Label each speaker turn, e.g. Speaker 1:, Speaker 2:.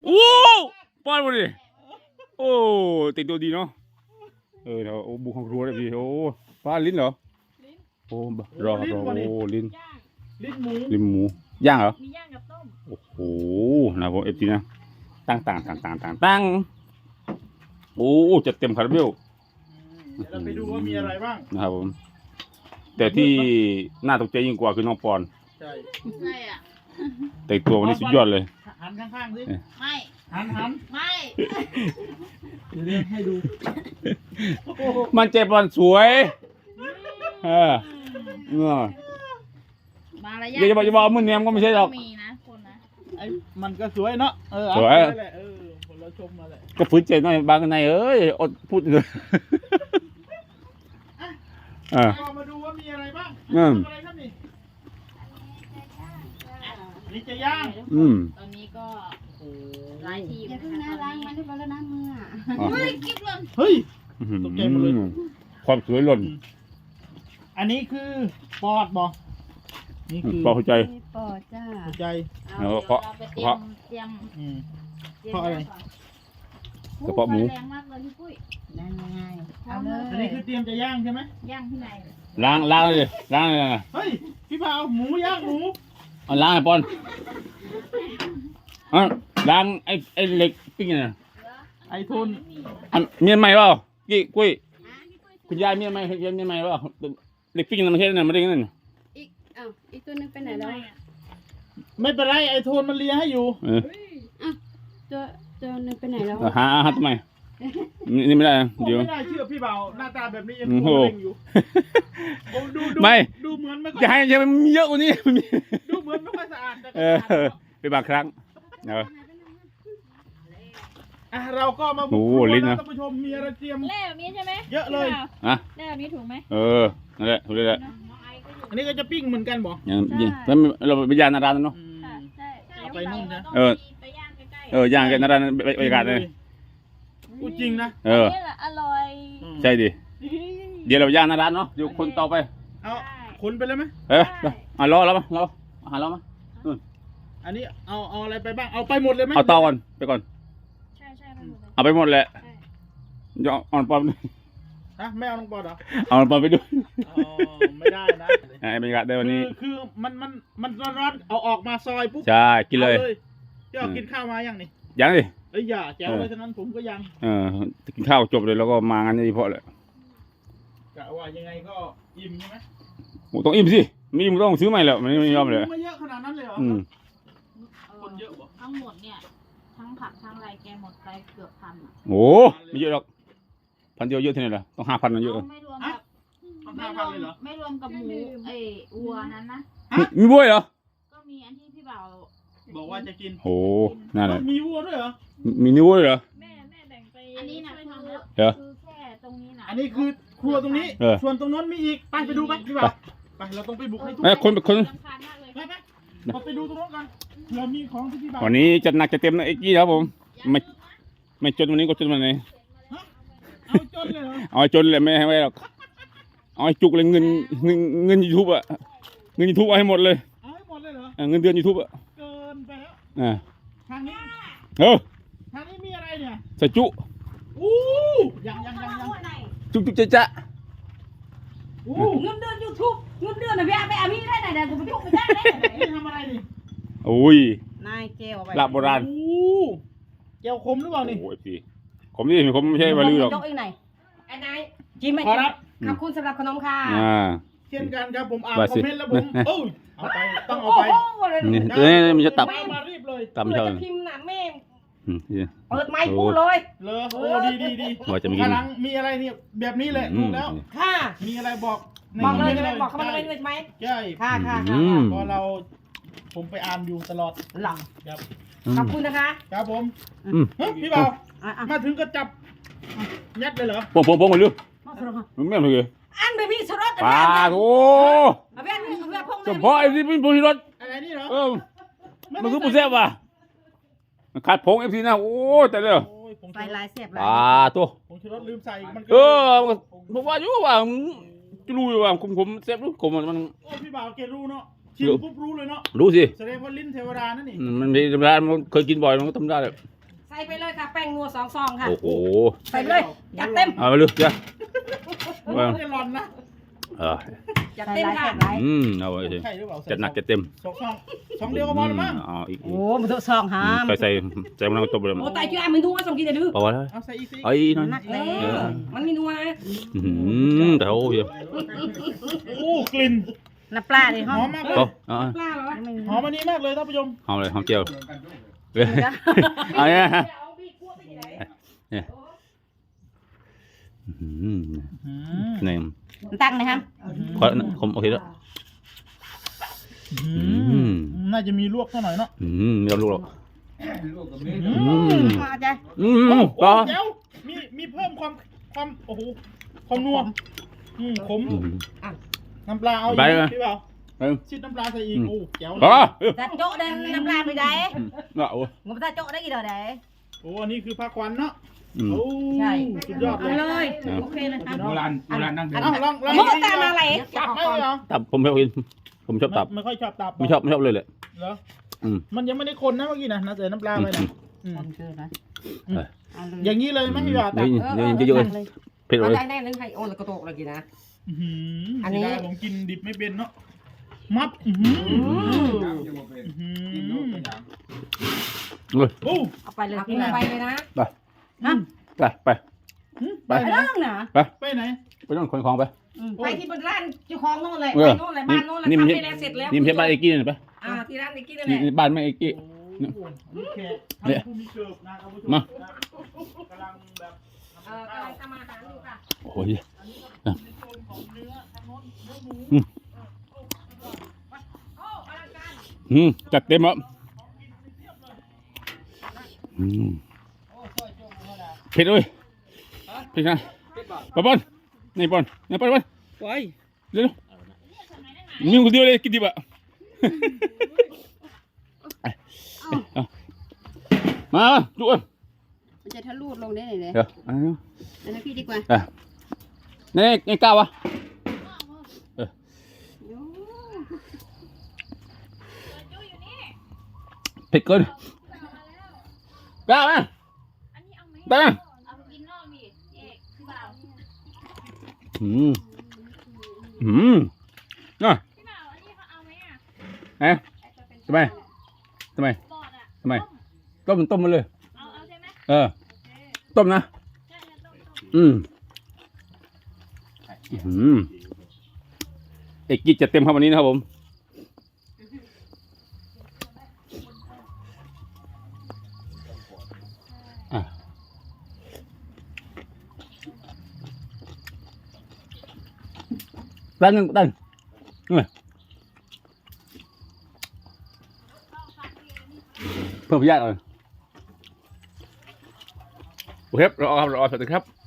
Speaker 1: โอ้ป้อนมาดิโอ้ติดตัวดีเนาะเดี๋ยวบุกของครัวเลยพี่โอ้ป้าลิ้นเหรอโอ้รอโอ้ลิ้นหมูย่างเหรอ
Speaker 2: มีย่างกับต้ม
Speaker 1: โอ้โหนะผมFTนะตั้งโอ้จะเต็มคาราเบล
Speaker 3: เราไปดูว่ามีอะไรบ้าง
Speaker 1: นะครับผมแต่ที่น่าตกใจยิ่งกว่าคือน้องปอน
Speaker 3: ใช่
Speaker 2: อ่ะ
Speaker 1: แต่ตัววันนี้สุดยอดเลย
Speaker 3: หันข้างๆสิ
Speaker 2: ไม่
Speaker 3: หัน
Speaker 2: ไม่
Speaker 3: เรียกให้ดู
Speaker 1: มันเจ็บบอลสวย
Speaker 2: มารยาท
Speaker 1: อย่าบอกมือเนียมก็ไม่ใช่หรอก
Speaker 2: มีนะคนนะ
Speaker 3: ไอ้มันก็สวยเนาะ
Speaker 1: สวย
Speaker 3: คนเราชมมาแหละ
Speaker 1: ก็ฝืนใจหน่อยบางในอดพูดเลย
Speaker 3: มาดูว่ามีอะไรบ้างอะไรครับนี่นี่จะย่าง
Speaker 2: ตอนนี้ก็หลายที
Speaker 4: อย่าเพิ่งนะล้างมันให้แล้วนะมือ
Speaker 2: เฮ้ยกิ๊บหล่น
Speaker 3: เฮ้ยตกใจหมดเลย
Speaker 1: ความสวยหล่น
Speaker 3: อันนี้คือปอดบอกนี่คือ
Speaker 1: ปอดหัวใจ
Speaker 4: ปอดจ้า
Speaker 3: หัวใจ
Speaker 1: เพราะ
Speaker 3: เพราะอะไร
Speaker 1: กระเพาะหมู
Speaker 2: แรงมากเลยพี่ปุ้ย
Speaker 4: ได้ไงเอาเลย
Speaker 3: อันนี้คือเตรียมจะย่างใช่ไหม
Speaker 2: ย่างที่ไหน
Speaker 1: ล้างเลย
Speaker 3: เฮ้ยพี่พาวหมูย่างหมู
Speaker 1: ล้างไอ้ปอนล้างไอ้เหล็กปิ้งน่ะ
Speaker 3: ไอ้ทุน
Speaker 1: เมียนใหม่เปล่ากี้กุ้ยคุณยายเมียนใหม่เปล่าเหล็กปิ้งนั่นไม่ใช่นั่นไม่ได้นั่น
Speaker 4: อีกตัวนึงไปไหนแล้ว
Speaker 3: ไม่เป็นไรไอ้ทุนมันเลียให้อยู่
Speaker 4: ตัวนึงไปไหนแล้ว
Speaker 1: หาทำไมนี่ไม่ได้เดี๋ยว
Speaker 3: ไม่ได้เชื่อพี่เบาหน้าตาแบบนี้ยังโง่อยู่
Speaker 1: ไม่
Speaker 3: ดูเหมือนไม่
Speaker 1: จะให้ยังมีเยอะกว่านี้
Speaker 3: ดูเหมือนไม่ค่อยสะอาด
Speaker 1: เป็นบางครั้ง
Speaker 3: เราก็มาบุกนะท่านผู้ชมมีอะไรเตรียม
Speaker 2: แร่แบบนี้ใช่ไหม
Speaker 3: เยอะเลย
Speaker 2: แร่แบบนี้ถูกไหม
Speaker 1: นั่นแหละถูกเลยแหละ
Speaker 3: อันนี้ก็จะปิ้งเหมือนกันบอก
Speaker 1: อย่างแล้วเราไปย่างนาราเนาะ
Speaker 2: ใช่
Speaker 3: ไปนู่นนะ
Speaker 2: ไปย่างใกล้
Speaker 1: ย่างกันนาราบรรยากาศเลย
Speaker 3: พูดจริงนะ
Speaker 2: นี่แหละอร่อย
Speaker 1: ใช่ดิเดี๋ยวเราย่างนาราเนาะเดี๋ยวคนต่อไป
Speaker 3: เอาคนไปเลยไหม
Speaker 1: รอแล้วมั้ยหาเรามั้ย
Speaker 3: อันนี้เอาอะไรไปบ้างเอาไปหมดเลยไหม
Speaker 1: เอาต่อก่อนไปก่อน
Speaker 2: ใช่
Speaker 1: เอาไปหมดแหละจะเอาปอม
Speaker 3: ไม่เอาน้องปอดเหรอ
Speaker 1: เอาปอมไปด้วย
Speaker 3: ไม่ได้นะ
Speaker 1: บรรยากาศได้วันนี้
Speaker 3: คือมันร้อนเอาออกมาซอยปุ๊บ
Speaker 1: ใช่กินเลย
Speaker 3: ที่เอากินข้าวมายังนี่
Speaker 1: ยังดิ
Speaker 3: อย่าแจ๋วเลยฉะนั้นผมก็ยัง
Speaker 1: กินข้าวจบเลยแล้วก็มางานนี้เพราะเลย
Speaker 3: กะว่ายังไงก็อิ่มใช่ไหม
Speaker 1: ต้องอิ่มสิไม่อิ่มต้องซื้อใหม่แล้วไม่ยอมเลย
Speaker 3: ไม่เยอะขนาดนั้นเลยเหรอคนเยอะบ่
Speaker 2: ทั้งหมดเนี่ยทั้งผักทั้งอะไรแกหมดไปเกือบพัน
Speaker 1: โอ้ไม่เยอะหรอก1,000เดียวเยอะที่ไหนล่ะต้อง5,000นะเยอะ
Speaker 2: ไม่รวมกับไม่รวมกับหมูวัวนั้นนะ
Speaker 1: มีวัวเหรอ
Speaker 2: ก็มีอันที่พี่บ่าว
Speaker 3: บอกว่าจะกิน
Speaker 1: โอ้นั่นแหละ
Speaker 3: มีวัวด้วยเหรอ
Speaker 1: มีวัวเหรอ
Speaker 2: แม่แบ่งไปอันนี้นะคือแค่ตรงนี้นะ
Speaker 3: อันนี้คือครัวตรงนี้ส่วนตรงนั้นมีอีกไปดูไปพี่บ่าวไปเราต้องไปบุกให้ทุก
Speaker 1: คน
Speaker 3: ไปดูตรงนั้นกันเรามีของที่พี่บ่าว
Speaker 1: วันนี้จัดหนักจะเต็มนะเอ็กกี้ครับผมไม่จนวันนี้ก็จนวันไหน
Speaker 3: เอาจนเลยเหรอ
Speaker 1: เอาจนเลยไม่ให้ไว้หรอกเอาจุกเลยเงินยูทูบอะเงินยูทูบเอาให้หมดเลย
Speaker 3: เอาให้หมดเลยเหรอ
Speaker 1: เงินเดือนยูทูบอะ
Speaker 3: เกินไปแล้วทางนี้ทางนี้มีอะไรเนี่ย
Speaker 1: ใส่จุ
Speaker 3: ยัง
Speaker 1: จุจะ
Speaker 4: เงินเดือนยูทูบเงินเดือนนะพี่ไปพี่ได้ไหนเดี๋ยวกูไปยุ่งไปได้
Speaker 3: เลยทำอะไรดิ
Speaker 1: โอ้ย
Speaker 4: นายเจล
Speaker 1: ลาบโบราณ
Speaker 3: เจลคมหรือเปล่านี่
Speaker 1: โอ้ยพี่ขมดิขมไม่ใช่วาลือหรอก
Speaker 4: ยกเองไหนไอ้นายจิ้มไหมขอบคุณสำหรับขนมค่ะ
Speaker 3: เช่นกันครับผมอ่านคอมเมนต์แล้วผมเอาไปต้องเอาไป
Speaker 1: นี่มันจะตับตับเท่า
Speaker 4: พิมพ์น่ะแม่เปิดไมค์พูดเลย
Speaker 3: โอ้ดี
Speaker 1: ว่าจะมี
Speaker 3: พลังมีอะไรเนี่ยแบบนี้แหละถูกแล้ว
Speaker 4: ค่ะ
Speaker 3: มีอะไรบอก
Speaker 4: เลยใช่ไหมบอกเขามาเลยใช่ไหม
Speaker 3: ใช่
Speaker 4: ค่ะ
Speaker 3: เพราะผมไปอ่านอยู่ตลอด
Speaker 4: หลังขอบคุณนะคะ
Speaker 3: ครับผมพี่บ่าวมาถึงก็จับยัดเลยเหรอ
Speaker 1: ปงกันเลยมันไม่เลย
Speaker 4: อันเบบี้สรส
Speaker 1: ปาโอ้เฉพาะไอ้ที่เป็นบุญรถ
Speaker 3: อะไรนี่เหรอ
Speaker 1: มันคือบุญแซ่บว่ะขาดผงFTนะโอ้แต่เด้อ
Speaker 4: ใส่ลายแซ่บ
Speaker 1: ตัว
Speaker 3: ผงชูรสลืมใส่มัน
Speaker 1: บอกว่าอยู่ว่าจะรู้ว่าผมแซ่บรู้ผมมัน
Speaker 3: โอ้พี่บ่าวเกรู้เนาะชิมปุ๊บรู้เลยเนาะ
Speaker 1: รู้สิ
Speaker 3: แสดงว่าลิ้นเทวดานั่นนี่
Speaker 1: มันมีธรรมดามันเคยกินบ่อยมันก็ทำได้เลย
Speaker 4: ใส่ไปเลยค่ะแป้งนัว2 ซองค่ะ
Speaker 1: โอ้โห
Speaker 4: ใส่ไปเลยจัดเต็ม
Speaker 1: เอาไปเลยจ้ะ
Speaker 3: โอ้ยไม่ได้ร้อนนะ
Speaker 4: จัดเต็มค่ะ
Speaker 1: เอาไปสิ
Speaker 3: ใช่หรือเปล่า
Speaker 1: จัดหนักจัดเต็ม
Speaker 3: สองเดียวก็พอแล้วมั้ง
Speaker 1: เอาอีก
Speaker 4: โอ้มันต้องซองหาม
Speaker 1: ใส่มะนาวต้มไปเลย
Speaker 4: โอ้ตายชื่อมันนัวส่งกินได้ดื้อ
Speaker 1: พอแล้ว
Speaker 3: เอาใส่อีกสิ
Speaker 1: ไอ้นั่น
Speaker 4: นักเลยมันมีนัวนะ
Speaker 1: แต่โอ้ย
Speaker 3: โอ้กลิ่น
Speaker 4: น้ำปลาดิ
Speaker 3: ห
Speaker 4: ฮะ
Speaker 3: อมมากเลย
Speaker 4: ปลาเหรอวะ
Speaker 3: หอมอันนี้มากเลยท่านผู้ชม
Speaker 1: เอาเลยหอมเจียวเอาเนี่ยนี่
Speaker 4: ตั้งนะครับ
Speaker 1: ขอผมโอเคแล้ว
Speaker 3: น่าจะมีลวกเท่าหน่อยเนาะ
Speaker 1: ไม่ต้องลูกหรอก
Speaker 4: มาใจ
Speaker 1: ต่อ
Speaker 3: เดี๋ยวมีเพิ่มความโอ้โหความนัวขมน้ำปลาเอาอีกพี่เปล่าชิดน้ำปลาใส่อีกโอ้แจ๋วเลย
Speaker 1: ต่อ
Speaker 4: จัดโจ๊ะเดินน้ำปลาไปไหน
Speaker 1: โอ้
Speaker 4: งบจัดโจ๊ะได้กี่ดอกไหน
Speaker 3: โอ้อันนี้คือผ้าควันเนาะโอ้สุดยอดเลย
Speaker 4: เลยโอเคเลยครับ
Speaker 1: โบราณนั่ง
Speaker 3: อ้าวลอง
Speaker 4: โมตามอะไร
Speaker 3: ตับไหมเหรอ
Speaker 1: ตับผมชอบกินผมชอบตับ
Speaker 3: ไม่ค่อยชอบตับ
Speaker 1: ไม่ชอบเลยแหละ
Speaker 3: เหรอมันยังไม่ได้คนนะเมื่อกี้นะใส่น้ำปลาไปนะอย่างนี้เลยไหมพี่บ่าวตับ
Speaker 1: เยอะๆเผ็ดเลย
Speaker 4: ได้นึงให้โอนแล้วก็โตกเลยกินนะ
Speaker 3: อันนี้ผมกินดิบไม่เป็นเนาะมัดโอ้
Speaker 4: เอาไปเลยกินไปเลยนะ
Speaker 1: ไป
Speaker 4: เรื่องนะ
Speaker 3: ไปไหน
Speaker 1: ไปต้องขนของไป
Speaker 4: ไปที่บนร้านเจ้าของโน่นเลยไปโน่นเลยบ้านโน่นเลยทำไปแล้วเสร็จแล้ว
Speaker 1: นี่ไม่ใช่บ้านเอกกี้นี่ปะ
Speaker 4: ที่ร้านเอกกี้นั่นแห
Speaker 1: นี่
Speaker 4: ละ
Speaker 1: บ้านแม่เอกกี้
Speaker 3: เนี่ยผู้มีเกิบนะครับผู้ชมกำลังแบบ
Speaker 4: กำลังทำอาหารอยู่ค่ะ
Speaker 1: โอ้ย
Speaker 3: ของเนื้อทางโน้นเนื้อหมู
Speaker 4: โอ้อลังการ
Speaker 1: จัดเต็มแล้วเผ็ดเลยเผ็ดนะปอนนี่ปอนนี่ปอนไปเร็วมีคนเดียวเลยกินดิบอ่ะมาดูอ่ะ
Speaker 5: มันจะทะลุลงได้เลย
Speaker 1: เดี๋ยว
Speaker 5: อันนั้นพี่ดีกว่า
Speaker 1: นี่ก้าวะเผ็ดเกินก้าวะได้
Speaker 2: เอาไปกินนอกดิเอกพี่บ่าว
Speaker 1: น่ะ
Speaker 2: พี่บ่าวอันนี้เขาเอาไหม
Speaker 1: ท
Speaker 2: อ่ะ
Speaker 1: ำไม
Speaker 2: ปอดอ่ะ
Speaker 1: ทำไมต้มมาเลย
Speaker 2: เอาใช่ไหม
Speaker 1: ต้มนะ
Speaker 2: ใช่ต้ม
Speaker 1: เอกกี้จะเต็มครับวันนี้นะครับผมตั้งเพิ่มพยาธิเลยโอเคเราเอาครับสวัสดีครับ